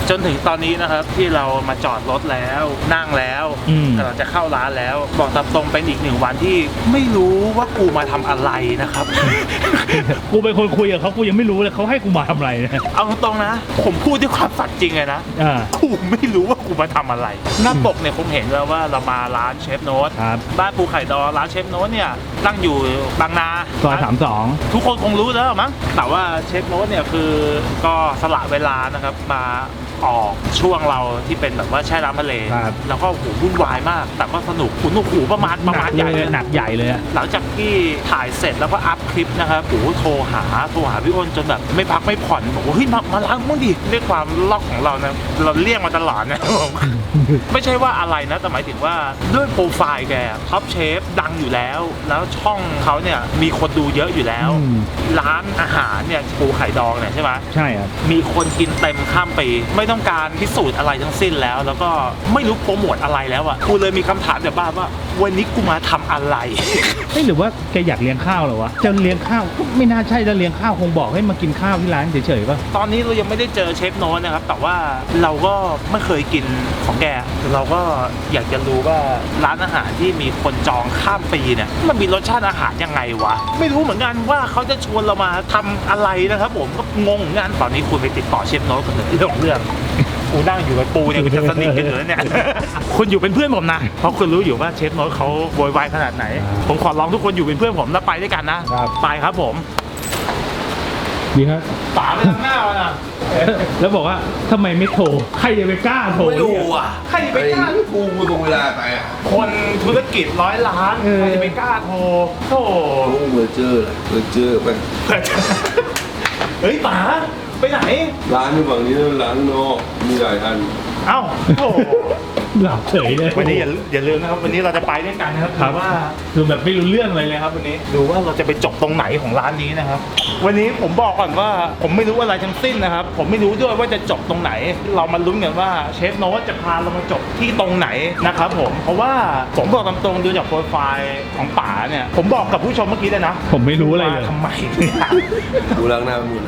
จนถึงตอนนี้นะครับที่เรามาจอดรถแล้วนั่งแล้วเราจะเข้าร้านแล้วบอกตามตรงเป็นอีก1 วันที่ไม่รู้ว่ากูมาทำอะไรนะครับกูเป็นคนคุยกับเขากูยังไม่รู้เลยเขาให้กูมาทำอะไรนะเอาตรงๆนะผมพูดด้วยความสัตย์จริงเลยนะกูไม่รู้ว่ากูมาทำอะไรหน้าปกเนี่ยคงเห็นแล้วว่าเรามาร้านเชฟโน้ตบ้านปูไข่ดองร้านเชฟโน้ตเนี่ยตั้งอยู่บางนาซอย32 ทุกคนคงรู้แล้วมั้งแต่ว่าเชฟโน้ตเนี่ยคือก็สละเวลานะครับมาออกช่วงเราที่เป็นแบบว่าแช่น้ำทะเลแล้วก็หูวุ่นวายมากแต่ก็สนุกหูประมาณใหญ่เลยหนักใหญ่เลยหลังจากที่ถ่ายเสร็จแล้วก็อัพคลิปนะครับโทรหาพี่อ้นจนแบบไม่พักไม่ผ่อนบอกว่าเฮ้ยมาล้างมั่งดิด้วยความล็อกของเรานะเราเลี่ยงมาตลอดนะไม่ใช่ว่าอะไรนะแต่หมายถึงว่าด้วยโปรไฟล์แกท็อปเชฟดังอยู่แล้วช่องเขาเนี่ยมีคนดูเยอะอยู่แล้วร้านอาหารเนี่ยปูไข่ดองเนี่ยใช่ไหมใช่ครับมีคนกินเต็มข้ามปีไม่ต้องการพิสูจน์อะไรทั้งสิ้นแล้วก็ไม่รู้โปรโมทอะไรแล้วอ่ะกูเลยมีคำถามแบบบ้าว่าวันนี้กูมาทำอะไรหรือว่าแกอยากเลี้ยงข้าวเหรอวะจะเลี้ยงข้าวก็ไม่น่าใช่จะเลี้ยงข้าวคงบอกให้มากินข้าวที่ร้านเฉยๆป่ะตอนนี้เรายังไม่ได้เจอเชฟโน้ตนะครับแต่ว่าเราก็ไม่เคยกินของแกเราก็อยากจะรู้ว่าร้านอาหารที่มีคนจองข้ามปีเนี่ยมันมีรสชาติอาหารยังไงวะไม่รู้เหมือนกันว่าเขาจะชวนเรามาทำอะไรนะครับผมก็งงงานตอนนี้คุณไปติดต่อเชฟโน้ตกันเลยเรื่องกูนั่งอยู่กับปูเนี่ยกูจะสนิทกันอยู่แล้วเนี่ยคุณอยู่เป็นเพื่อนผมนะเพราะคุณรู้อยู่ว่าเชฟโน้ตเขาโวยวายขนาดไหนผมขอร้องทุกคนอยู่เป็นเพื่อนผมแล้วไปด้วยกันนะไปครับผมดีครับป๋าไปทางหน้าแล้วนะแล้วบอกว่าทำไมไม่โทรใครจะไปกล้าโทรไม่รู้อ่ะใครจะไปกล้ากูตรงเวลาไปอ่ะคนธุรกิจ100 ล้านใครจะไปกล้าโทรโธ่เบอร์เจอร์ไปเฮ้ยป๋าไปไหนร้านที่ฝั่งนี้ร้านนอกมีหลายอันเอ้าโอ้หลับเฉยเลยวันนี้อย่าลืมนะครับวันนี้เราจะไปด้วยกันนะครับแต่ว่าคือแบบไม่รู้เรื่องเลยครับวันนี้ดูว่าเราจะไปจบตรงไหนของร้านนี้นะครับวันนี้ผมบอกก่อนว่าผมไม่รู้อะไรทั้งสิ้นนะครับผมไม่รู้ด้วยว่าจะจบตรงไหนเรามาลุ้นกันว่าเชฟโน้ตจะพาเรามาจบที่ตรงไหนนะครับผมเพราะว่าผมบอกตามตรงดูจากโปรไฟล์ของป๋าเนี่ยผมบอกกับผู้ชมเมื่อกี้เลยนะผมไม่รู้อะไรเลยทำไมดูล้างหน้าหมด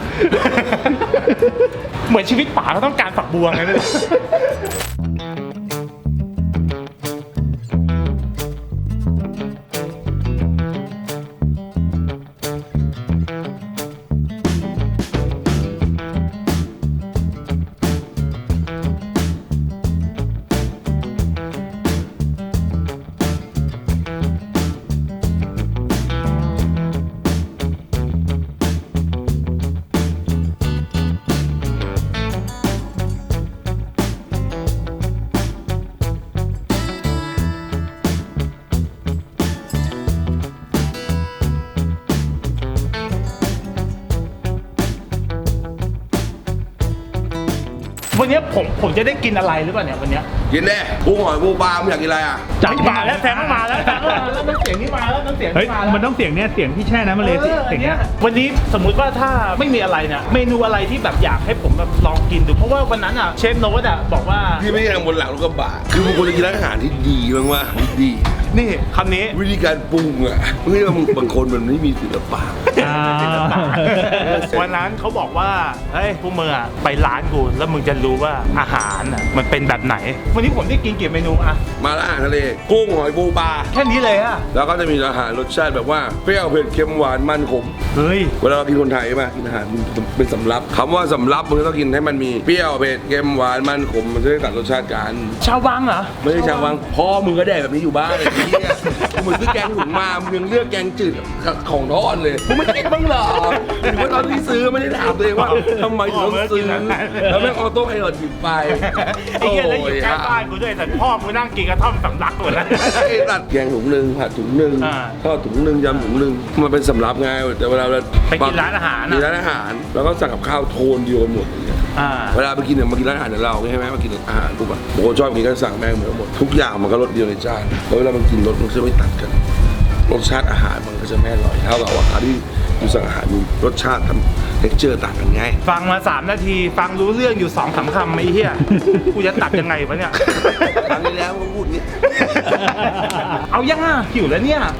เหมือนชีวิตป๋าก็ต้องการฝักบัวไงเลยวันนี้ผมจะได้กินอะไรหรือเปล่าเนี่ยวันนี้กินแน่ปูหอยปูปลามึงอยากกินอะไรอ่ะจัดมาแล้วแซงมาแล้วน้ำเสียงนี่มาแล้วน้ำเสียงนี่มาแล้วมันต้องเสียงเนี้ยเสียงที่แช่น้ำมาเลยเสียงเนี้ยวันนี้สมมุติว่าถ้าไม่มีอะไรเนี่ยเมนูอะไรที่แบบอยากให้ผมแบบลองกินดูเพราะว่าวันนั้นอ่ะเชฟโน้ตอ่ะบอกว่าที่ไม่ได้ทำบนหลังรถกระบะคือมึงควรจะกินร้านอาหารที่ดีมากๆดีนี่คำนี้วิธีการปรุงอ่ะไม่ใช่ว่ามึงบางคนมันไม่มีศิลปะวันนั้นเขาบอกว่าเฮ้ยพวกมึงอ่ะไปร้านกูแล้วมึงจะรู้ว่าอาหารอ่ะมันเป็นแบบไหนวันนี้ผมได้กินกี่เมนูอ่ะมาละอาหารทะเลกุ้งหอยปูปลาแค่นี้เลยอ่ะแล้วก็จะมีอาหารรสชาติแบบว่าเปรี้ยวเผ็ดเค็มหวานมันขมเฮ้ยเวลาเรากินคนไทยใช่ไหมกินอาหารเป็นสำรับคำว่าสำรับมึงต้องกินให้มันมีเปรี้ยวเผ็ดเค็มหวานมันขมมันจะได้ตัดรสชาติกันชาววังเหรอไม่ใช่ชาววังพ่อมึงก็ได้แบบนี้อยู่บ้านมึงซื้อแกงถุงมามึงยังเลือกแกงจืดของทอดเลยมึงไม่คิดบ้างเหรอหรือว่าตอนที่ซื้อไม่ได้ถามตัวเองว่าทำไมถึงต้องซื้อแล้วแม่งออโต้ไพลอตหยิบไปไอ้เหี้ยแล้วอยู่ใกล้บ้านกูด้วยแต่พ่อกูนั่งกินกระท่อมสำลักหมดแล้วตัดแกงถุงนึงผัดถุงนึงทอดถุงนึงยำถุงนึงมันเป็นสำรับไงแต่เวลาเราไปกินร้านอาหารแล้วก็สั่งกับข้าวโทนเดียวกันหมดเวลาไปกินเนี่ยมากินร้านอาหารเราใช่ไหมมากินอาหารปุ๊บอะโอ้ชอบกินก็สั่งแม่งเหมือนหมดทุกอย่างมันก็รสเดียวในจานแล้วเวลามันกินรสมันจะไม่ตัดกันรสชาติอาหารมันก็จะไม่อร่อยเท่ากับอาหารที่อยู่สั่งอาหารมีรสชาติทำเท็กเจอร์ต่างกันไงฟังมา3 นาทีฟังรู้เรื่องอยู่2-3 คำไอ้เหี้ยกูจะตัดยังไงวะเนี่ยครั้งนี้แล้วมึงพูดนี้เอายังอ่ะหิวแล้วเนี่ย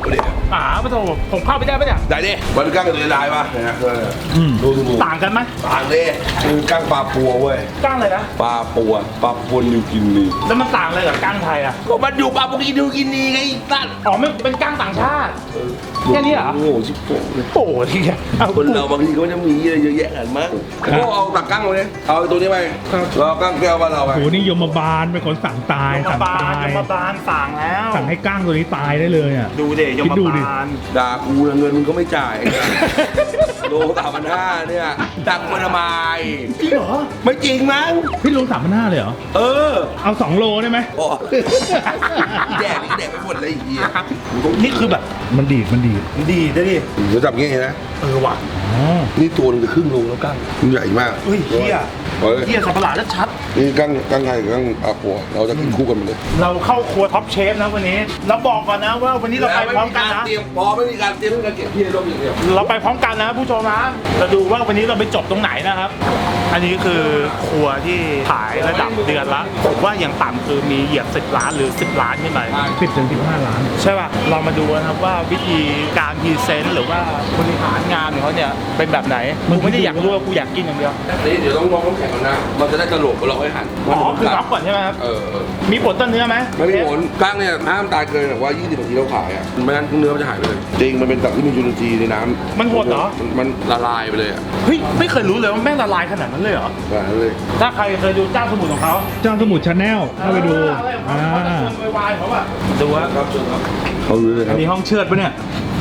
ปะโถผมเข้าไปได้ปะเนี่ยได้ดิมันกั้งกับตัวลายป่ะนะดูดูต่างกันไหมต่างดิคือกั้งปลาปัวเว้ยก้างเลยนะปลาปัวนิวกินีแล้วมันต่างอะไรกับก้างไทยอ่ะก็มันอยู่ปลาปุกินิวกินีไงตั้นอ๋อไม่เป็นก้างต่างชาติ แค่นี้เหรอโอ้โหชิบโป้เลยโอ้ยเอาคนเราบางทีก็จะมีอะไรเยอะแยะกันมั้งก็เอาตักกั้งมาเลยเอาตัวนี้ไปเรากั้งแก้วบ้านเราไปโหนี่ยมบาลเป็นคนสั่งตายยมสั่งบาลตายยมบาลสั่งแล้วสั่งให้ก้างตัวนี้ตายได้เลยอ่ะดูเดยคิดมดูดิบาลด่ากูเงินมึงก็ไม่จ่าย โล3,500เนี่ยตักมาทำไมจริงเหรอไม่จริงมั้งพี่ลง3,500เลยเหรอเออเอา2 โลได้ไหมโอ้แดกนี่แดกไปหมดเลยไอ้เหี้ยนี่คือแบบมันดีดดีได้ดิเดี๋ยวจับงี้นะว่ะอ๋อนี่ตัวนึงจะครึ่งโลแล้วกั้งมันใหญ่มากเฮ้ยเฮียเฮ้ยเฮียสับปะหลาดชัดนี่กั้งไทยกับกั้งอาปัวเราจะกินคู่กันไปเลยเราเข้าครัวท็อปเชฟนะวันนี้เราบอกก่อนนะว่าวันนี้เราไปพร้อมกันนะไม่มีการเตรียมการเก็บที่ร่มอย่างเดียวเราไปพร้อมกันนะผู้ชมนะเราดูว่าวันนี้เราไปจบตรงไหนนะครับ อันนี้คือครัวที่ขายระดับเดือนละผมว่าอย่างต่ำคือมีเหยียบ10 ล้านหรือ10 ล้านขึ้นไป 10 ถึง 15 ล้านใช่ป่ะ เรามาดูนะครับว่าวิธีการพรีเซนต์หรือว่าบริหารงานของเขาเนี่ยเป็นแบบไหนกูไม่ได้อยากรู้ว่ากูอยากกินอย่างเดียวนี่เดี๋ยวต้องลองน้ำแข็งก่อนนะมันจะได้ตลกเราให้หันอ๋อคือน็อกก่อนใช่ไหมครับเออมีผลต้นเนื้อไหมไม่มีผลกั้งเนี่ยห้ามตายเกินแบบว่า20 นาทีเราขายอ่ะไม่งั้นเนื้อมันจะหายไปเลยจริงมันเป็นสัตว์ที่มีจุลินทรีย์ในน้ำมันโหดเหรอมันละลายไปเลยอ่ะเฮ้ยไม่เคยรู้เลยว่าแม่งละลายขนาดนั้นเลยเหรอแบบนั้นเลยถ้าใครเคยดูเจ้าสมุนของเขาเจ้าสมุทรชาแนลเข้าไปดูอะไรของเขาเขาจะชวนวายๆเขาอะดูว่าครับเชิญครับเขารู้เลยคอัรันบนี้ห้องเชือดปะเนี่ย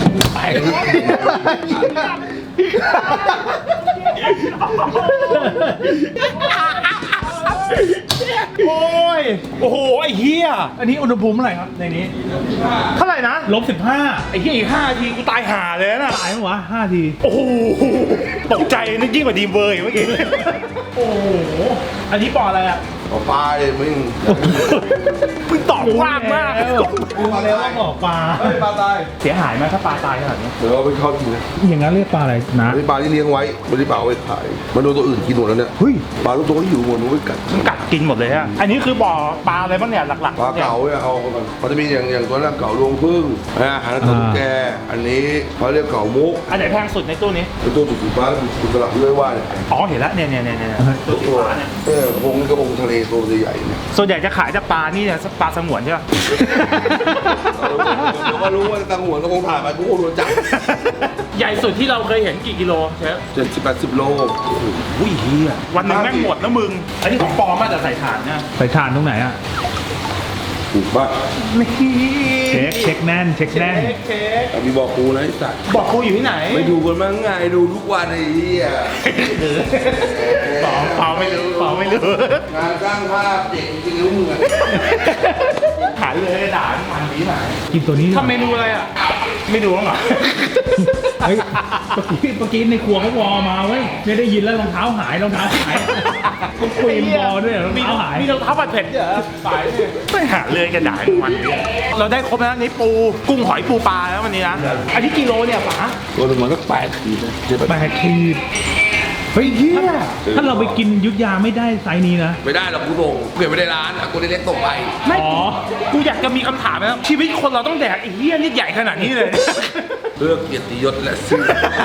โอ้ยโอ้โหไอ้เหี้ยอันนี้อุณหภูมิเท่าไหร่ครับในนี้เท่าไหร่นะ -15 ไอ้เหี้ยอีก5 นาทีกูตายห่าเลยนะตายมั้งวะ5 ทีโอ้โหตกใจนึกยิ่งกว่าดีมเวอร์อีกเมื่อกี้โอ้โหอันนี้ปออะไรอะเอาปลาเลยมึงมึงตอบกว้างมากรู้แล้วว่าบอกปลาเฮ้ยปลาตายเสียหายไหมถ้าปลาตายขนาดนี้เดี๋ยวเราไปทอดกินนะอย่างนั้นเรียกปลาอะไรนะไม่ปลาที่เลี้ยงไว้ไม่ได้ปลาเอาไว้ขายมันโดนตัวอื่นกินหมดแล้วเนี่ยเฮ้ยปลาทุกตัวที่อยู่หมดมันไม่กัดมันกัดกินหมดเลยฮะอันนี้คือบ่อปลาอะไรบ้างเนี่ยหลักๆปลาเก๋าเนี่ยเอาก่อนมันจะมีอย่างตัวแรกเก๋ารวงพึ่งอาหารตัวตุ๊กแกอันนี้เขาเรียกเก๋ามุกอันไหนแพงสุดในตู้นี้เป็นตัวสุดฟ้าสุดสลับด้วยว่าเนี่ยอ๋อเห็นแล้วเนี่ยตัวสีฟ้าเนี่ยกระพงนี่กระพงทะเลตัวใหญ่ๆเนี่ยส่วนใหญ่จะขายจากปลานี่เนี่ยปลาสงวนใช่ป่ะเดี๋ยวก็รู้ว่าตังหัวกระพงถ่ายไปกูโดนจับใหญ่สุดที่เราเคยเห็นกี่กิโลเชฟ 70-80 โลอุ้ยเฮียวันหนึ่งแม่งหมดนะมึง อันนี้ของปลอมมาแต่ใส่ถ่านเนี่ยใส่ถ่านตรงไหนอ่ะถูกป่ะเช็คแน่นเค้กมีบอกกูนะไอ้สัตว์บอกกูอยู่ที่ไหนไม่ดูกันมั้งไงดูทุกวันไอ้เหี้ยปลอมไม่รู้งานสร้างภาพเด็กจริงรู้มึงอะขายเลยด่ามันดีหน่อยกินตัวนี้ทำเมนูอะไรอ่ะ ไม่ดูบ้างเหรอเฮ้ยเมื่อกี้ในครัวเขาวอมาเว้ยไม่ได้ยินแล้วรองเท้าหายเขาคุยบอด้วยรองเท้าหายมีรองเท้าผัดเผ็ดด้วยเหรอฝ่ายเนี่ยไม่หาเลยกระดาษมันเนี่ยเราได้ครบแล้วนี่ปูกุ้งหอยปูปลาแล้ววันนี้นะ อันนี้กิโลเนี่ยป๋าตัวหนึงมันก็8 ขีดนะเจ็บ 8 ขีดเฮ้ยเฮียถ้าเราไปกินยุทธยาไม่ได้ไซส์นี้นะไม่ได้หรอกกูส่งเปลี่ยนไม่ได้ร้านกูได้เล็กส่งไปไม่อ๋อกูอยากจะมีคำถามนะชีวิตคนเราต้องแดกไอ้เหี้ยนี่ใหญ่ขนาดนี้เลยเลือกเกียรติยศและชื่อ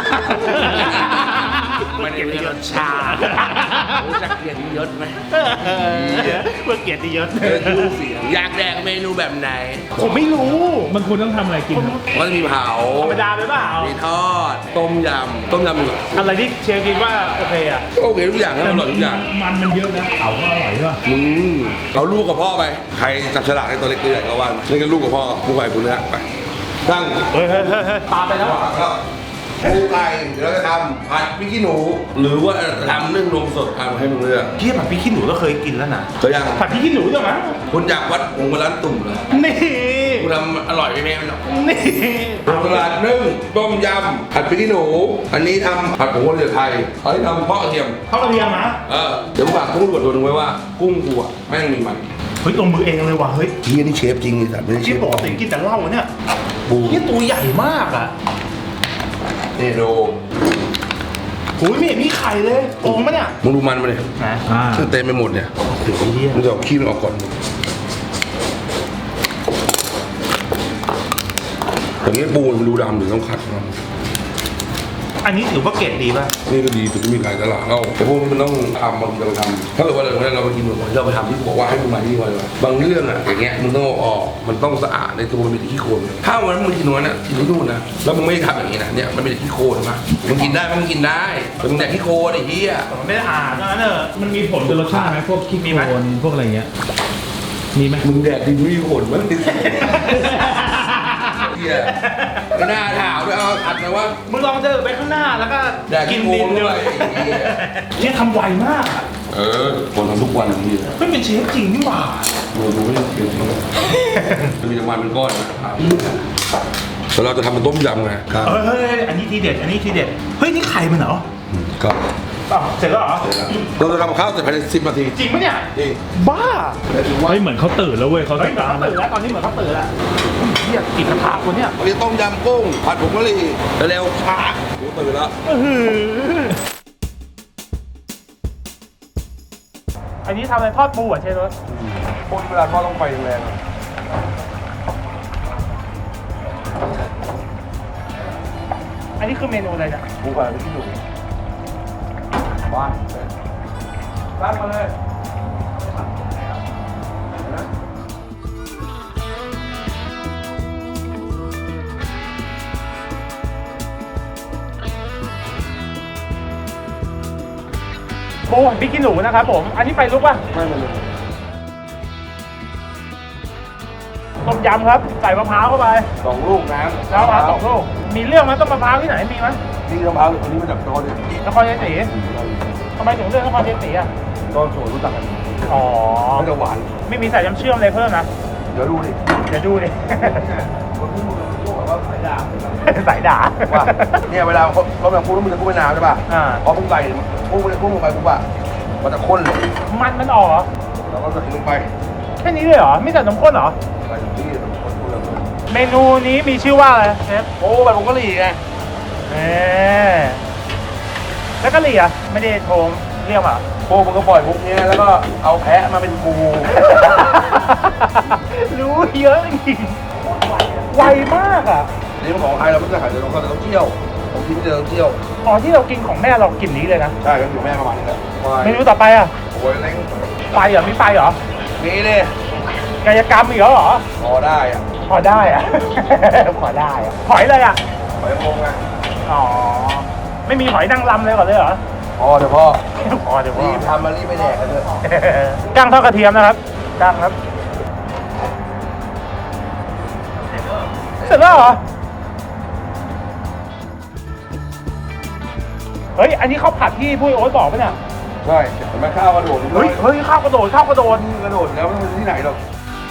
ไม่ได้เลือกรสชาติรู้จักเกียรติยศไหมเพื่อเกียรติยศชื่อเสียงอยากแดกเมนูแบบไหนผมไม่รู้มันควรต้องทำอะไรกินครับก็จะมีเผาธรรมดาไปเปล่ามีทอดต้มยำอยู่อะไรที่เชฟคิดว่าโอเคอ่ะโอเคทุกอย่างนะอร่อยทุกอย่างมันเยอะนะเขาก็อร่อยด้วยมึงเอาลูกกับพ่อไปใครจับฉลากในตัวเล็กตัวใหญ่ก็ว่าเล่นกันลูกกับพ่อผู้ใหญ่ผู้เนื้อไปตั้งเฮ้ยปลาไปแล้วครับปูไก่เดี๋ยวเราจะทำผัดพริกขี้หนู หรือว่าจะทำนึ่งนมสดทำให้มึงเลือกเทียบผัดพริกขี้หนูก็เคยกินแล้วนะเคยยังผัดพริกขี้หนูใช่ไหมคุณอยากวัดผงมาร้านตุ่มเหรอนี่คุณทำอร่อยไหมแม่มันหรอนี่ตลาดนึ่งต้มยำผัดพริกขี้หนู อันนี้ทำผัดผงกะหรี่ไทยอันนี้ทำเพาะกระเทียมเขากระเทียมนะเดี๋ยวฝากกุ้งตรวจตัวหนึงไว้ว่ากุ้งกูอะแม่งมีมันเฮ้ยตรงมือเองเลยว่ะเฮ้ยเฮียนี่เชฟจริงไอ้สัตว์ไม่ใช่เชที่ฟปกติกินแต่เหล้าเนี่ยปูนี่ตัวใหญ่มากอ่ะนี่ดูโอ้ยไม่เห็นมีไข่เลยโกงปะเนี่ยมึงดูมันมาเลยนะซึ่งเต็มไปหมดเนี่ยโอ้โหเฮียมึงจะเอาขี้มันออกก่อนแต่นี้ปูมันดูดำหรือต้องขัดมันอันนี้ถือว่าเกรดดีป่ะนี่ก็ดีสุดที่มีขายตลาดเราแต่พวกนี้มันต้องทำบางทีเราไปทำถ้าเกิดว่าเราไปกินหมูเราไปทำที่บอกว่าให้มึงมาที่นี่เลยบางเรื่องอ่ะอย่างเงี้ยมึงต้องเอาออกมันต้องสะอาดในตัวมันมีแต่ขี้โคลนถ้าวันนั้นมึงกินวันนั้นกินที่นู่นนะแล้วมึงไม่ทำอย่างนี้นะเนี่ยมันเป็นแต่ขี้โคลนนะมึงกินได้มึงกินได้แต่มึงแดกขี้โคลนไอ้เหี้ยมันไม่ได้อ่านนั่นเนอะมันมีผลกับรสชาติไหมพวกขี้โคลนพวกอะไรเงี้ยมีไหมมึงแดกดินไม่มีผลมั้งดินเหี้ยไม่น่าถามด้วยเอาอัดนะว่ามึงลองเดินไปข้างหน้าแล้วก็แดกกินขี้ดินโคลนด้ด้ววย ยเนี่ยทำไวมากอะคนทำทุกวันอย่างนี้ไม่เป็นเชฟจริงนี่หว่าดูไม่ได้เป็นจะมีน้ำมันเป็นก้อนนะครับแล้วเราจะทำเป็นต้มยำไงครับเฮ้ยอันนี้ทีเด็ดอันนี้ทีเด็ดเฮ้ยนี่ไข่มันเหรอครับอ้าวเสร็จแล้วเหรอเราจะทำข้าวเสร็จภายใน10 นาทีจริงปะเนี่ยจริงบ้าเฮ้ยเหมือนเขาตื่นแล้วเว้ยเขาเฮ้ยตามเขาตื่นแล้วตอนนี้เหมือนเขาตื่นแล้วเฮียกินกระทะคนเนี่ยวันนี้ต้มยำกุ้งผัดผงกะหรี่เร็วๆช้ากูตื่นแล้วอันนี้ทำอะไรทอดปูอ่ะเชฟรสคนเวลาทอดต้องไฟแรงอันนี้คือเมนูอะไรเนี่ยปูผัดพริกขี้หนูบ้านร้านมาเลยปูพริกขี้หนูนะครับผมอันนี้ไฟลุกป่ะไม่มาเลยต้มยำครับใส่มะพร้าวเข้าไป 2 ลูกน้ำมะพร้าว2 ลูกมีเรื่องไหมต้มมะพร้าวที่ไหนมีไหมนี่มะพร้าวคนนี้มาจากตอนนี้นครชัยศรีทำไมถึงเลือกนครชัยศรีอ่ะตอนโสดรู้จักกันอ๋อไม่จะหวานไม่มีใส่น้ำเชื่อมอะไรเพิ่มนะเดี๋ยวดูดิเดี๋ยวดูดิคนที่มึงพูดแบบว่าสายดาบสายด่าว่าเนี่ยเวลาเขาแบบพูดแล้วมึงจะพูดไม่นานใช่ป่ะอ่าพอมึงใส่พูดลงไปปุ๊บอะมันจะข้นเลยมันออกเหรอแล้วก็ใส่ลงไปแค่นี้เลยเหรอไม่ใส่นมข้นเหรอใส่ที่มันข้นเลยเมนูนี้มีชื่อว่าอะไรเชฟโอ้แบบผงกะหรี่ไงแล้วกะหรี่อ่ะไม่ได้โทรเรียกอ่ะโอ้มึงก็ปล่อยมุกนี้แล้วก็เอาแพะมาเป็นกูรู้เยอะจริงๆไวมากอ่ะนี่มันของไทยเราไม่ได้ขายแต่เราก็ต้องเที่ยวผมกินไม่ได้ต้องเที่ยวอ๋อที่เรากินของแม่เรากลิ่นนี้เลยนะใช่ก็อยู่แม่ประมาณนี้แหละเมนูต่อไปอ่ะโอ้ยแรงไฟเหรอมีไฟเหรอนี่เลยกายกรรมอีกแล้วเหรอพอได้อะพอได้อ่ะ พอได้อ่ะหอยเลยอ่ะหอยโมงไงอ๋อไม่มีหอยนางรำเลยก่อนเลยเหรอพอเดี๋ยวพ่อพอเดี๋ยวพ่อรีบทำมารีบไปแดกกันเถอะกั้งทอดกระเทียมนะครับกั้งครับ เสร็จแล้วเหรอ เฮ้ย อันนี้ข้าวผัดที่พุ้ยโอ๊ตบอกปะเนี่ยใช่เห็นไหมข้าวกระโดดเฮ้ย ข้าวกระโดด ข้าวกระโดดกระโดดแล้วมันที่ไหนหรอก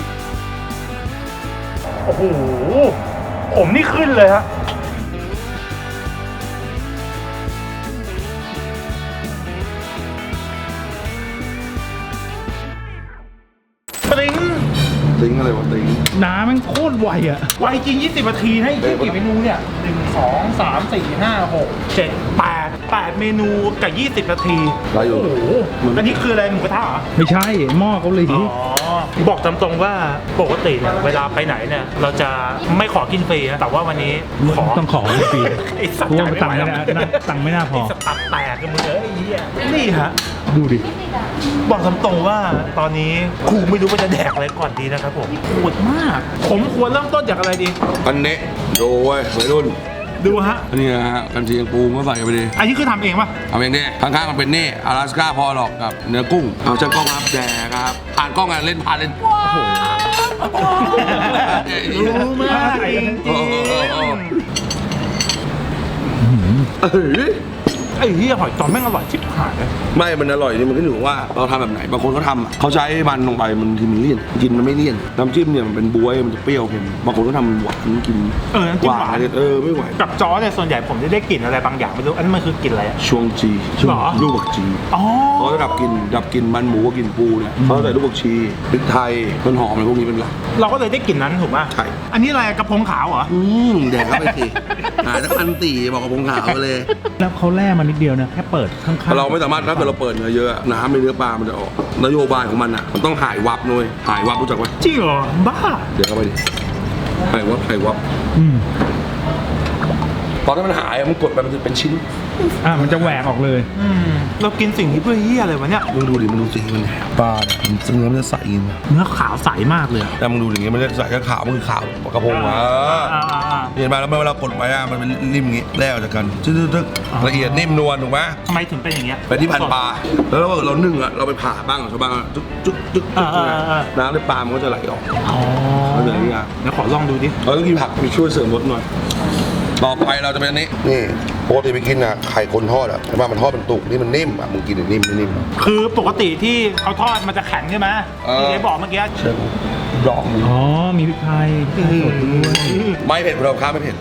โอ้โห ผมนี่ขึ้นเลยฮะ ปริ้งติงอะไรวะติงน้ำมันโคตรไวอ่ะไวจริง 20 นาทีให้คิดกี่เมนูเนี่ย 1 2 3 4 5 6 7 8 เมนูกับ 20 นาทีได้อยู่โอ้โห อันนี้คืออะไรหมูกระทะเหรอไม่ใช่หม้อเกาหลีบอกตามตรงว่าปกติเนี่ยเวลาไปไหนเนี่ยเราจะไม่ขอกินฟรีนะแต่ว่าวันนี้ขอต้องขอฟรีไอ้สัตเพว์ราะว่าจ่ายตังค์ไม่ไม่ไหวน่าตังค์ไม่น่าพอไอ้สตับแตกกันมึงเอ้ยไอ้เหี้ยนี่ฮะดูดิบอกตามตรงว่าตอนนี้กูไม่รู้ว่าจะแดกอะไรก่อนดีนะครับผมปวดมาก ผมควรเริ่มต้นจากอะไรดีอันเนี้ดูเว้ยวัยรุ่นดูฮะอันนี้นะฮะกันเชียงปูมาใส่ไปดิอันนี้คือทำเองป่ะทำเองดิข้างๆมันเป็นนี่阿拉斯ก้าพอหรอกกับเนื้อกุ้งเอาช่างกล้องครับแดกครับผ่านกล้องอ่ะเล่นผ่านเล่นรู้มากจริงเอ้ยไอ้เหี้ยหอยตอนแม่งอร่อยชิบหายเลยไม่มันอร่อยนี่มันขึ้นอยู่ว่าเราทำแบบไหนบางคนเขาทำอะเขาใช้มันลงไปมันทีมันเลี่ยนกินมันไม่เลี่ยนน้ำจิ้มเนี่ยมันเป็นบ๊วยมันจะเปรี้ยวเค็มบางคนก็ทำหวานกินน้ำจิ้มหวานไม่ไหวกับจอเนี่ยส่วนใหญ่ผมจะได้กลิ่นอะไรบางอย่างไม่รู้อันนั้นมันคือกลิ่นอะไรอะช่วงจีหรอลูกบักจีอ๋อเขาจะดับกลินมันหมูกับกลินปูเนี่ยเขาใส่ลูกบักชีพริกไทยต้นหอมอะไรพวกนี้เป็นหลักเราก็เลยได้กลิ่นนั้นถูกป่ะใช่อันนี้อะไรกระพงขาวเหรอแดกเข้าไปสิหาสัก1,400บอกกับพงขาวไปเลยแล้วเขาแล่มานิดเดียวนะแค่เปิดข้างๆเราไม่สามารถถ้าเกิดเราเปิดเนื้อเยอะน้ำในเนื้อปลามันจะออกนโยบายของมันอ่ะมันต้องหายวับด้วยหายวับรู้จักไหมจริงเหรอบ้าเดี๋ยวเข้าไปดิไข่วับตอนที่มันหายมันกดไปมันจะเป็นชิ้นมันจะแหวกออกเลยเรากินสิ่งที่เพื่อเหี้ยอะไรวะเนี่ยมึงดูดิมันดูสีมันปลาเนี่ยมันเนื้อมันจะใสจริงเนื้อขาวใสมากเลยแต่มึงดูอย่างเงี้ยมันจะใสแค่ขาวมันคือขาวกระพงเห็นไหมแล้วเวลากดไว้มันเป็นนิ่มอย่างงี้แล่ออกจากกันตึ๊กละเอียดนิ่มนวลถูกไหมทำไมถึงเป็นอย่างเงี้ยไปที่พันปลาแล้วเรานึ่งเราไปผ่าบ้างชาวบ้านจึ๊กน้ำในปลามันก็จะไหลออกมันจะไหลยากเดี๋ยวขอลองดูดิเราต้องกินผักมีช่วยเสริมรสหน่อยต่อไปเราจะเป็นอันนี้ปกติไปกินไข่คนทอดแต่ว่ามันทอดเป็นตุกนี่มันนิ่มมึงกินนิ่มไม่นิ่มคือปกติที่เขาทอดมันจะแข็งใช่ไหมที่เจ๊บอกเมื่อกี้เชิญดอกมึงมีพริกไทยสดด้วยไม่เผ็ดเราค้าไม่เผ็ด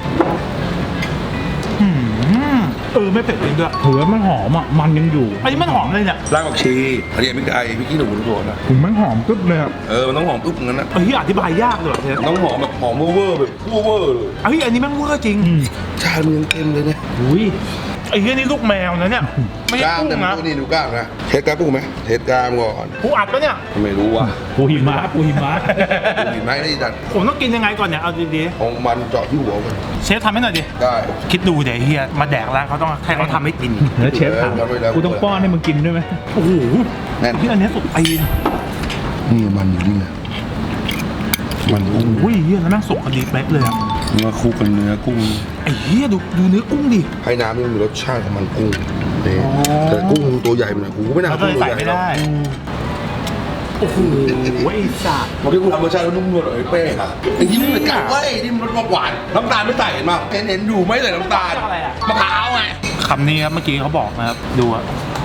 ไม่เผ็ดจริงด้วยถือว่ามันหอมมันยังอยู่อันนี้มันหอมเลยเนี่ยรากผักชีอันนี้พริกไทยพริกขี้หนูทุกคนนะถึงมันหอมกึ๊บเลยมันต้องหอมปุ๊บงั้นนะอธิบายยากเลยเจ๊มันต้องหอมแบบหอมเวอร์แบบเวอร์เลยอันนี้แม่งเวอร์จริงชามันยังเต็มเลยเนี่ยนี่ลูกแมวนะเนี่ยไม่ใช่กล้ามกุ้แต่งมันนะนี่ดูกล้ามนะเทสกล้ามกุ้งไหมเทสกล้ามก่อนปูอัดปะเนี่ยไม่รู้ว่ะปูหิมะดูหินไหมได้จัดผมต้องกินยังไงก่อนเนี่ยเอาดีของมันเจาะที่หัวมันๆเชฟทำให้หน่อยดิได้คิดดูเดี๋ยวเฮียมาแดกร้านเขาต้องให้เขาทำให้กินแล้วเชฟถามกูต้องป้อนให้มึงกินด้วยไหมโอ้โหแน่นอันนี้สุดตีนนี่มันอยู่นี่นะมันกุ้งอุ้ยเฮียแล้วแม่งสุกพอดีเป๊ะเลยอะเนื้อคู่กับเนื้อกุ้งเฮียดูเนื้อกุ้งดิให้น้ำนี่มันมีรสชาติของมันกุ้งนี่แต่กุ้งตัวใหญ่มันกูไม่น่าเรากุ้เลงยตัวใส่ใหญ่ไม่ได้โอ้โหไอ้สัตว์บางทีกูทำรสชาติแล้วนุ่มนวลหน่อยเป้ค่ะไอ้ที่มันเหมือนกันเว้ยนี่มันรสหวานน้ำตาลไม่ใส่เห็นป่ะเห็นอยู่ไม่ใส่น้ำตาลมะพร้าวไงคำนี้ครับเมื่อกี้เขาบอกนะครับดูอะ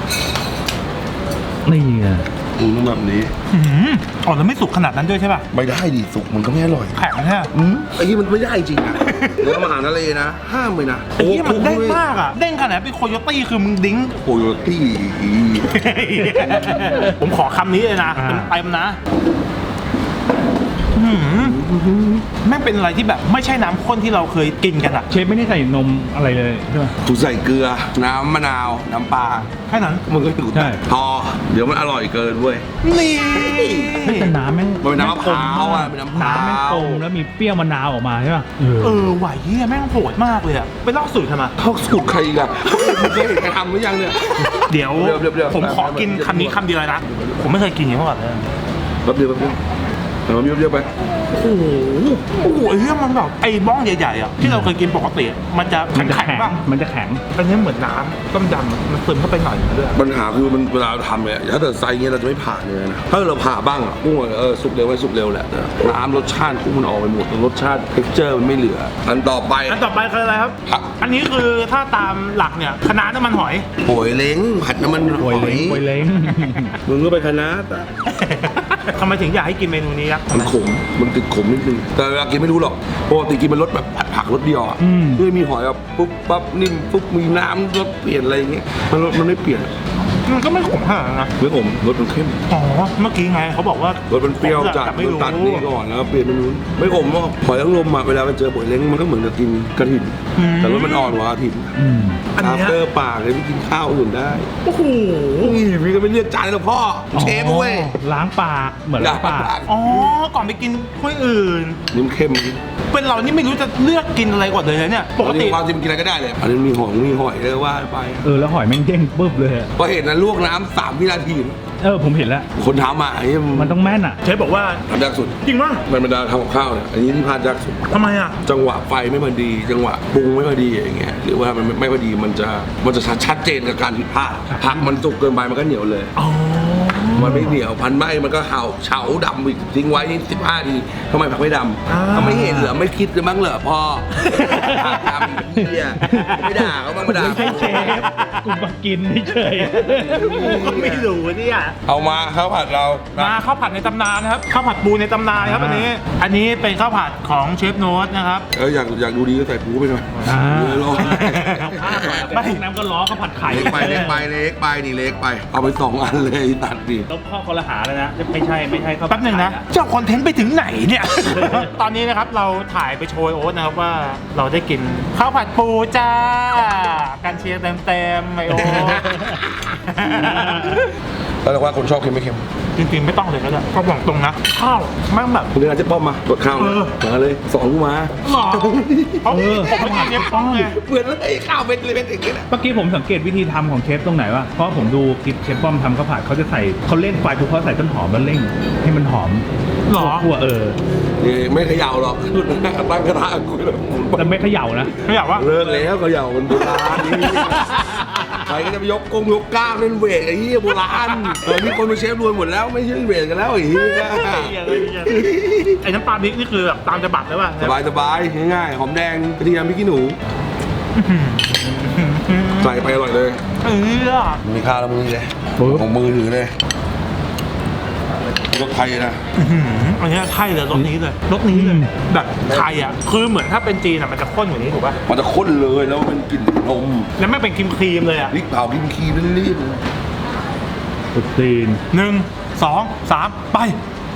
นี่ไงต้องแบบนี้แล้วไม่สุกขนาดนั้นด้วยใช่ป่ะไม่ได้ดิสุกมันก็ไม่อร่อยแข็งใช่ไหมไอ้ที่มันไม่ได้จริงอ่ะเนื้ออาหารทะเลนะห้ามเลยนะไอ้ที่มันเด้งมากอ่ะเด้งขนาดเป็นโคโยตี้คือมึงดิ้งโคโยตี้ผมขอคำนี้เลยนะเต็มๆนะแม่งเป็นอะไรที่แบบไม่ใช่น้ำข้นที่เราเคยกินกันอะเชฟไม่ได้ใส่นมอะไรเลยใช่ไหมถูใส่เกลือน้ำมะนาวน้ำปลาแค่นั้นมันก็ถูใช่พอเดี๋ยวมันอร่อยเกินเว้ยนี่แต่น้ำแม่งมันเป็นน้ำมะพร้าวอ่ะเป็นน้ำมะพร้าวน้ำแม่งกลมแล้วมีเปรี้ยวมะนาวออกมาใช่ป่ะไหวเฮียแม่งโหดมากเลยอะไปเล่าสูตรทำไมเขาสูตรใครอีกอ่ะมึงเคยเห็นใครทำหรือยังเนี่ยเดี๋ยวเดี๋ยวผมขอกินคำนี้คำเดียวเลยนะผมไม่เคยกินอย่างนี้มาก่อนเลยแป๊บเดียวเราเยอะๆไปโอ้โหไอ้เรื่องมันแบบไอ้บ้องใหญ่ๆอ่ะที่เราเคยกินปกติอะมันจะมันจะแข็งแข็งๆป่ะมันจะแข็งอันนี้เหมือนน้ำต้มยำมันซึมเข้าไปหน่อยนึงด้วยปัญหาคือมันเวลาเราทำเนี่ยถ้าเกิดไซส์เงี้ยเราจะไม่ผ่าเลยนะถ้าเราผ่าบ้างอ่ะกุ้งสุกเร็วไว้สุกเร็วแหละน้ำรสชาติกุ้งมันออกไปหมดรสชาติเท็กเจอร์มันไม่เหลืออันต่อไปอันต่อไปคืออะไรครับผักอันนี้คือถ้าตามหลักเนี่ยคะน้าน้ำมันหอยโป่ยเล้งผัดน้ำมันหป่อวยเล้งยป่วยเล้งมึงก็ไปคณะแต่ทำไมถึงอยากให้กินเมนูนี้ครับมันขมมันติดขมนิดนึงแต่เวลากินไม่รู้หรอกปกติกินเป็นรสแบบผัดรสเดียวอ่ะเพื่อมีหอยแบบปุ๊บปั๊บนิ่มปุ๊บมีน้ำรสเปลี่ยนอะไรอย่างเงี้ยมันไม่เปลี่ยนมันก็ไม่ขมขนาดนั้นนะไม่ขมรสมันเข้มอ๋อเมื่อกี้ไงเขาบอกว่ารสมันเปรี้ยวจัดแต่ไม่มันรู้ตัดนี่ก่อนแล้วก็เปลี่ยนเป็นนู้นไม่ขมหรอกหอยนางรมอ่ะเวลาไปเจอป่วยเล้งมันก็เหมือนกับกินกระถิ่นแต่รสมันอ่อนกว่ากระถิ่นอันอาเนี้ยเตอร์ปากเลยพี่กินข้าวอื่นได้โอ้โหนี่พี่ก็ไม่เรียกจานหรอกพ่อเชฟเว้ยล้างปากเหมือนล้างปากอ๋อก่อนไปกินถ้วยอื่นนี่มันเข้มเป็นเรานี่ไม่รู้จะเลือกกินอะไรก่อนเลยนะเนี่ยปกติความจริงกินอะไรก็ได้เลยอันนี้มีหอยเลยว่าไปแล้วหอยแม่งเด้งปุ๊บเลยอะพอเห็นนะลวกน้ำ3 วินาทีผมเห็นแล้วคนทำอ่ะไอ้มันต้องแม่นอ่ะเชฟบอกว่าทำยากสุดจริงป่ะมันบรรดาทำกับข้าวเนี่ยอันนี้ที่พลาดยากสุดทำไมอ่ะจังหวะไฟไม่พอดี จังหวะปรุงไม่พอดีอย่างเงี้ยหรือว่ามันไม่พอดีมันจะชัดเจนกับการผิดพลาดผักมันสุกเกินไปมันก็เหนียวเลยอ๋อมันไม่เหนียวพันไหมมันก็เฉาดำอีกทิ้งไว้นี่15 ทีทำไมผักไม่ดำเขาไม่เห็นเหรอไม่คิดเลยมั้งเหรอพ่อผักดำเหี้ยไม่ด่าเขาบ้างมาด่าไม่ใช่เชฟกูมากินเฉยก็ไม่รู้เนี่ยเอามาข้าวผัดเรานะมาข้าวผัดในตำนานนะครับข้าวผัดปูในตำนานครับอันนี้เป็นข้าวผัดของเชฟโน้ตนะครับอยากดูดีก็ใส่ปูไปหน่อย เนื้อโลไม่น้ำก็ล้อเขาผัดไข่เล็กไปนี่เล็กไปเอาไป2 อันเลยตัดดิต้องข้อคนละหาแล้วนะไม่ใช่ข้าวผัดแป๊บหนึ่งนะ เจ้าคอนเทนต์ไปถึงไหนเนี่ย ตอนนี้นะครับเราถ่ายไปโชยโอ๊ตนะครับว่าเราได้กินข้าวผัดปูจ้ากันเชียร์เต็มๆไอโอ๊ตแล้วแต่ว่าคนชอบเค็มไม่เค็มจริงๆไม่ต้องเลยก็ได้ก็บอกตรงนะข้าวแม่งแบบคุณเดินเจ๊ป้อมมาตรวจข้าวมาเลย2กูมาหรอเพราะผมไม่กินเชฟป้องไงเหมือนเลยข้าวเป็นเลยเป็นอย่างนี้แหละเมื่อกี้ผมสังเกตวิธีทำของเชฟตรงไหนวะเพราะผมดูคลิปเชฟป้อมทำข้าวผัดเขาจะใส่เขาเร่งไฟปุ๊บเขาใส่ต้นหอมแล้วเร่งให้มันหอมหรอคั่วนี่ไม่เขย่าหรอกตั้งกระทะกูเลยแต่ไม่เขย่านะไม่อยากว่าเลิกแล้วเขย่ามันโบราณนี่ใครก็จะไปยกกกล้ามเล่นเวทไอ้เหี้ยโบราณนี่คนเป็นเชฟรวยหมดแล้วไม่ใช่เล่นเวทกันแล้วไอ้เหี้ยไอ้น้ำปลาพริกนี่คือแบบตามจะบัตรเลยป่ะสบายง่ายๆหอมแดงกระเทียมพริกขี้หนูใส่ไปอร่อยเลยมีข้าวแล้วมือเลยของมือถือเลยรถไทยนะอันนี้ไทยเลยรสนี้เลยแบบไทยอ่ะคือเหมือนถ้าเป็นจีนอ่ะมันจะข้นกว่านี้ถูกป่ะมันจะข้นเลยแล้วมันกลิ่นนมแล้วไม่เป็นครีมเลยอ่ะพริกเผากินคีรีบตุดตีน 1 2 3ไป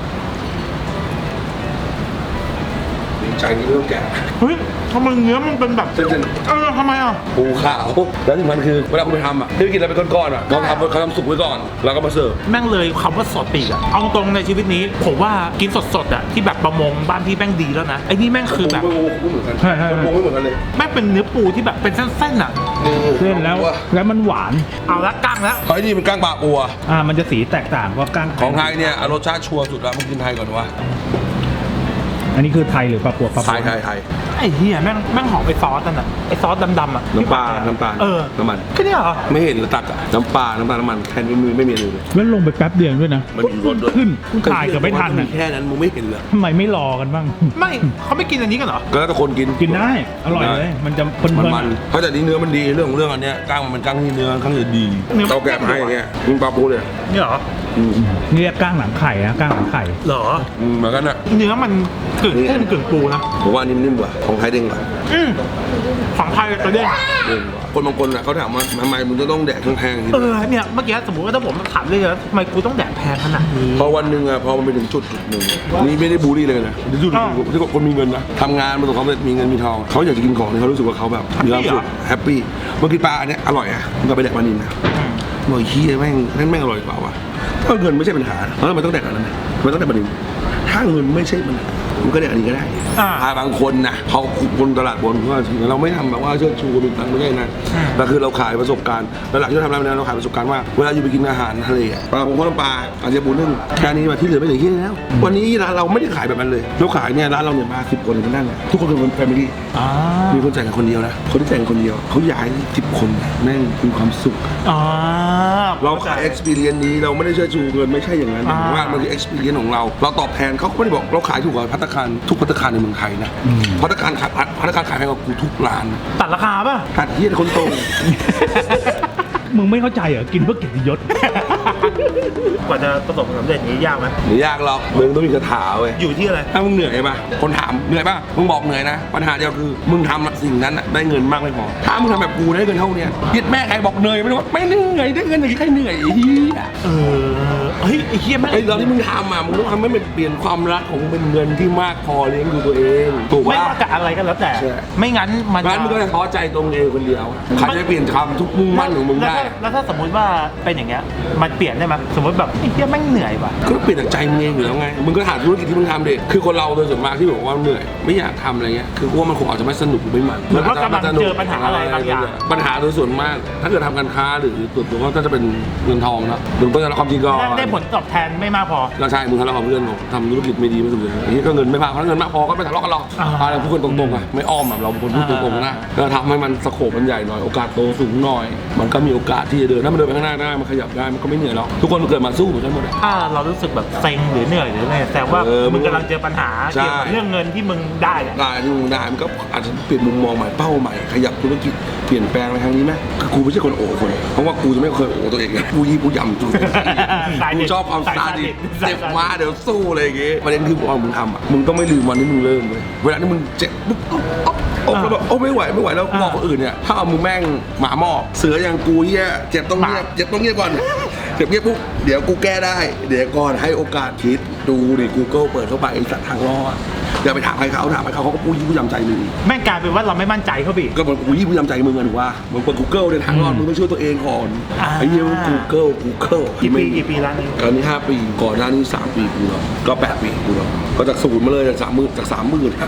ใจนี่เริ่มแก่เฮ้ยทำไมเนื้อมันเป็นแบบเส้นทำไมอ่ะปูขาวแล้วที่มันคือเวลาคุณไปทำอ่ะที่ไปกินอะไรเป็นก้อนๆอ่ะเขาทำสุกไว้ก่อนแล้วก็มาเสิร์ฟแม่งเลยคำว่าสดปีกอะเอาตรงในชีวิตนี้ผมว่ากินสดๆอะที่แบบประมงบ้านพี่แม่งดีแล้วนะไอ้นี่แม่งคือแบบไม่เหมือนกันไม่เหมือนกันเลยแม่งเป็นเนื้อปูที่แบบเป็นเส้นๆอะเส้นแล้วมันหวานเอาละกั้งแล้วเฮ้ยนี่มันก้างปลาอัวมันจะสีแตกต่างกว่าก้างของไทยเนี่ยรสชาติชัวร์สุดแล้วมึงกินไทยก่อนวะอันนี้คือไทยหรือปลาปัวไทยไอ้เหี้ยแม่งหอมไปซอสนั่นอะไอ้ซอสดำๆอะน้ำปลาน้ำมันแค่นี้เหรอไม่เห็นหรือตักอ่ะน้ำปลาน้ำมันแค่นี้ไม่มีเลยแล้วลงไปแป๊บเดียวด้วยนะมันมีรสด้วยขึ้นถ่ายเกือบไม่ทันมีอ่ะแค่นั้นมึงไม่เห็นเหรอทำไมไม่รอกันบ้างไม่เขาไม่กินอันนี้กันเหรอก็แล้วแต่คนกินกินได้อร่อยเลยมันจะเพลินมันเพราะแต่นี้เนื้อมันดีเรื่องอันเนี้ยก้างมันก้างที่เนื้อข้างในดีเนื้อมันเราแกะมาให้อย่างเงี้ยมึงปลาปูเลยนี่เหรอเรียกก้างหลังไข่นะก้างหลังไข่เหรอเหมือนกันอ่ะเนื้อมันกึ่งกุ้งกึ่งปูนะผมว่านิ่มๆกว่าของไทยเด้งกว่าฝั่งไทยจะเด้งคนบางคนอ่ะเขาถามว่าทำไมมึงจะต้องแดกแพงๆทีเนี่ยเมื่อกี้สมมติว่าถ้าผมถามเลยนะทำไมกูต้องแดกแพงขนาดนี้พอวันหนึ่งอ่ะพอมันไปถึงจุดหนึ่งนี่ไม่ได้บูลลี่เลยนะจุดที่คนมีเงินนะทำงานประสบความสำเร็จมีเงินมีทองเขาอยากจะกินของที่เขารู้สึกว่าเขาแบบมีความสุขแฮปปี้เมื่อกี้ปลาอันเนี้ยอร่อยอ่ะมึงก็ไปแดกปลานิลนะหน่อยขี้แม่งอร่อยกว่าวะถ้าเงินไม่ใช่ปัญหาแล้วมันต้องแดกอันนั้นมันต้องแดกปลานิลถ้าเงินไม่ใช่ปัญหามันก็แดกอันนี้ก็ได้บางคนนะเขาคนตลาดบนเขาจริงเราไม่ทำแบบว่าเชิดชูมีตังค์ไม่ใช่นะแต่คือเราขายประสบการณ์แล้วหลังที่เราทำอะไรเราขายประสบการณ์ว่าเวลาอยู่ไปกินอาหารทะเลปลาผมก็น้ำปลาอาจจะปูนึ่งแค่นี้มาที่เหลือไม่เหลือที่แล้ววันนี้ร้านเราไม่ได้ขายแบบนั้นเลยเราขายเนี่ยร้านเราเนี่ยมา10 คนกันนั่งทุกคนเป็นแฟมิลี่มีคนจ่ายกันคนเดียวนะคนที่จ่ายกันคนเดียวเขาย้าย10 คนแม่งมีความสุขเราขาย experience นี้เราไม่ได้เชิดชูเงินไม่ใช่อย่างนั้นแต่ว่ามันคือ experience ของเราตอบแทนเขาไม่ได้บอกเราขายถูกกว่าภัตตาคารทุกภัตตาคารในเมืองไทยนะภัตตาคารขายให้กับกูทุกร้านตัดราคาป่ะตัดเฮียคนโตมึงไม่เข้าใจเหรอกินเพื่อเกียรติยศกว่าจะประสบความสำเร็จนี้ยากไหมไม่ยากหรอกมึงต้องมีคาถาเว้ยอยู่ที่อะไรถ้ามึงเหนื่อยป่ะคนถามเหนื่อยป่ะมึงบอกเหนื่อยนะปัญหาเดียวคือมึงทำสิ่งนั้นได้เงินมากไม่พอถ้ามึงทำแบบกูได้เงินเท่านี้ยึดแม่ใครบอกเหนื่อยไม่รู้ไม่เหนื่อยได้เงินอย่างใครเหนื่อยเฮียเฮ้ยไอ้เฮียแม่งไอ้เราที่มึงทำมึงต้องทำให้มันเปลี่ยนความรักของมึงเป็นเงินที่มากพอเลี้ยงดูตัวเองถูกไม่ป่ะว่าจะอะไรก็แล้วแต่ไม่งั้นมันมึงก็จะท้อใจตรงเองคนเดียวใครจะเปลี่ยนคำทุกมุ่งมั่นของมึงได้แล้วถ้าสมมติว่าเป็นอย่างเงี้ยมันเปลี่ยนได้ไหมสมมติแบบไอ้เฮียแม่งเหนื่อยว่ะก็เปลี่ยนจากใจมึงเองอยู่แล้วไงมึงก็หาธุรกิจที่มึงทำดิคือคนเราโดยส่วนมากที่บอกว่าเหนื่อยไม่อยากทำอะไรเงี้ยคือว่ามันคงอาจจะไม่สนุกหรือไม่มันหรือว่ากำลังเจอปัญหาอะไรบางอย่างปัญหาโดยส่วนมาก ถ้าเกิดทำการค้าหรือตัวก็จะเป็นเงินทองนะมึงก็จะรับความจริงก็ได้ผลตอบแทนไม่มากพอก็ใช่มึงทะเลาะกับเพื่อนทำธุรกิจไม่ดีไม่สุดเลยอันนี้ก็เงินไม่พอถ้าเงินมากพอก็ไม่ทะเลาะกันหรอกอะไรพูดกันตรงๆอ่ะไม่อ้อมแบบเราเป็นคนพูดตรงๆนะก็ทำให้มันสโคปมันใหญ่หน่อยโอกาสโตสูงหน่อยมันก็มีโอกาสที่จะเดินถ้ามันเดินไปข้างหน้าได้มันขยับได้มันก็ไม่เหนื่อยหรอกทุกคนเกิดมาสู้เหมือนกันหมดถ้าเรารู้สึกแบบเซ็งหรือเหนื่อยหรืออะไรแต่ว่ามึงกำลังเจอปัญหาเกี่ยวกับเรื่องเงินที่มึงได้ที่มึงได้มันก็อาจจะเปลี่ยนมุมมองใหม่เป้าใหม่ขยับธุรกิจเปลี่ยนแปลงไปทางนี้ไหมคือกูไม่ใช่คนโอ้คนเพราะว่ากูจะไม่เคยโอ้ตัวเองกูยี่กูยำกูชอบความซาดิสเจ็บมาเดี๋ยวสู้อะไรอย่างเงี้ยประเด็นคือว่ามึงทำมึงต้องไม่ลืมวันที่มึงเริ่มเลยเวลาที่มึงเจ็บปุ๊บแล้วแบบโอ้ไม่ไหวแล้วบอกคนอื่นเนี่ยถ้าเอามึงแม่งหมาหมอบเสืออย่างกูเหี้ยเจ็บต้องเงียบก่อนเจ็บเงียบปุ๊บเดี๋ยวกูแก้ได้เดี๋ยวก่อนให้โอกาสคิดดูดิ Google เปิดเข้าไปไอ้สัตว์ทางรอดอย่าไปถามใครเขาเขาก็ปูยี่ปูยำใจมึงแม่งกลายเป็นว่าเราไม่มั่นใจเขาบีก็มันปูยี่ปูยำใจมึงอะถูกป่ะมึงเปิด Google ในทางรอดมึงต้องช่วยตัวเองก่อนไอ้เหี้ยมึง Google กี่ปีแล้วนี่ตอนนี้5 ปีก่อนหน้านี้3 ปีกูเนาะก็8 ปีกูเนาะก็จากศูนย์มาเลยจาก30,000จาก30,000ครับ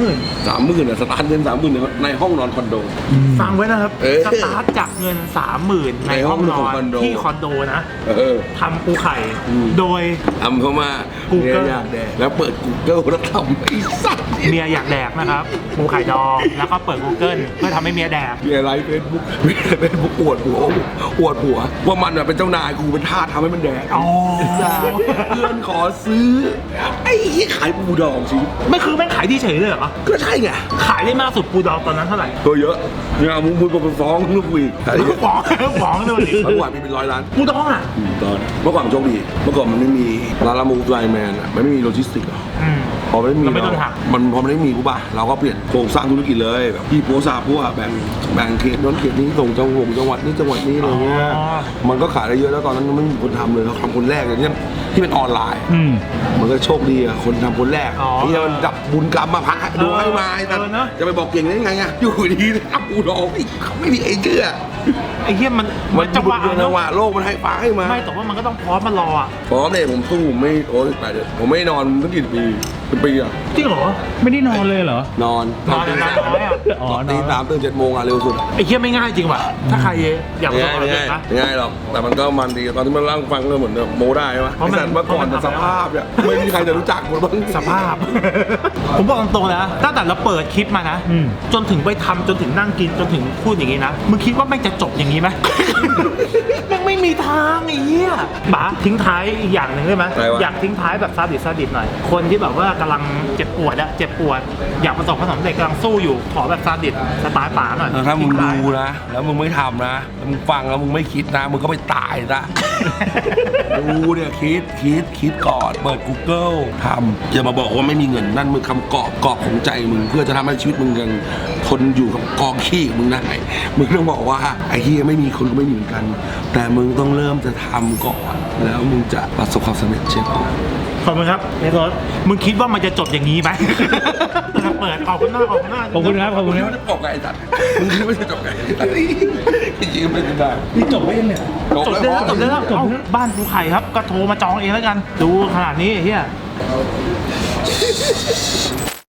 30,000 30,000สตาร์ทเงิน30,000ในห้องนอนคอนโดฟังไว้นะครับเออสตาร์ทจากเงิน 30,000 ในห้องนอนที่คอนโดนะทำปูไข่โดยทำเข้ามา Google เมียอยากแดกแล้วเปิด Google แล้วทำไอ้สัตว์เมียอยากแดกนะครับปูไข่ดองแล้วก็เปิด Google เพื่อทำให้เมียแดกเมียไลฟ์เฟซบุ๊กอวดหัวว่ามันเป็นเจ้านายกูเป็นทาสทำให้มันแดกอ๋อเพื่อนขอซื้อไอ้ที่ขายปูดองสิไม่คือแม่งขายที่เฉยเลยเหรอก็ใช่ไงขายได้มากสุดปูดองตอนนั้นเท่าไหร่ตัวเยอะเนี่ยมึงพูดไปฟ้องลูกกูอีกแต่ที่ฟ้องเลยดิเมื่อก่อนมีเป็น100 ล้านปูดองอ่ะตอนเมื่อก่อนโชคดีเมื่อก่อนมันไม่มีร้านละมูฟไลแมนอ่ะมันไม่มีโลจิสติกอ่ะ พอไม่มีเราไม่โดนหักมันพอไม่ได้มีกูป่ะเราก็เปลี่ยนโครงสร้างธุรกิจเลยแบบพี่ปัวซาปัวแบ่งเขตนั้นเขตนี้ส่งจังหวัดนี้อะไรเงี้ยมันก็ขายได้เยอะแล้วตอนนั้นไม่มีคนทำเลยเราทำคนแรกเลยเนี่ยที่เป็นออนไลน์ มันก็โชคดีอะคนทำคนแรกที่มันดับบุญกรรมมาพักดูให้มาแต่จะไปบอกเก่งได้ไงอะอยู่ดีอับอูดองไม่มีไอ้เชื่อไอ้เหี้ยมันจังหวะจังหวะโลกมันให้ฟ้าให้มาไม่แต่ว่ามันก็ต้องพร้อมมารออ่ะพร้อมเลยผมสู้ไม่โอ้ยไปเลยผมไม่นอนตั้งกี่ปีเป็นปีอะจริงเหรอไม่ได้นอนเลยเหรอนอนนอนน้อยอ่ะอ๋อตีนอน 3 ตื่น 7 โมงอะเร็วสุดไอ้เหี้ยไม่ง่ายจริงว่ะถ้าใครอยากประสบความสำเร็จนะง่ายหรอกแต่มันก็มันดีตอนที่มันร่างฟังก็เหมือนโมได้ไหมเพราะมันไอ้สัตว์เมื่อก่อนแต่สภาพเนี่ยไม่มีใครจะรู้จักหมดบ้างสภาพ ผมบอกตรงๆนะตั้งแต่เราเปิดคลิปมานะ จนถึงไปทำจนถึงนั่งกินจนถึงพูดอย่างนี้นะ มึงคิดว่าแม่งจะจบอย่างนี้ไหม แม่งไม่มีทางไอ้เหี้ยป๋าทิ้งท้ายอีกอย่างหนึ่งได้ไหมอยากทิ้งท้ายแบบซาดิสหน่อย คนที่แบบว่ากำลังเจ็บปวดอยากประสบความสำเร็จกำลังสู้อยู่ขอแบบซาดิสสไตล์ป๋าหน่อยถ้ามึงดูนะแล้วมึงไม่ทำนะแล้วมึงฟังแล้วมึงไม่คิดนะมึงก็ไปตายซะ ดูเนี่ยคิดก่อนเปิด Google ทำอย่ามาบอกว่าไม่มีเงินนั่นมึงคำกอบของใจมึงเพื่อจะทำให้ชีวิตมึงยังทนอยู่กับกองขี้มึงได้มึงต้องบอกว่าไอ้เฮียไม่มีคนก็ไม่มีเหมือนกัน แต่มึงต้องเริ่มจะทำก่อนแล้วมึงจะประสบความสำเร็จเช่นกันขอบคุณครับเนโรสมึงคิดว่ามันจะจบอย่างนี้ไหม เปิดขอบคุณมากขอบคุณครับขอบคุณครับมึงคิดว่าจะจบไงไอ้สัตว์มึงคิดว่าจะจบไงจริงๆไม่ได้นี่จบได้ยังเนี่ยจบได้แล้วเอ้าบ้านภูไข่ครับก็โทรมาจองเองแล้วกัน ดูขนาดนี้ไอ้เฮีย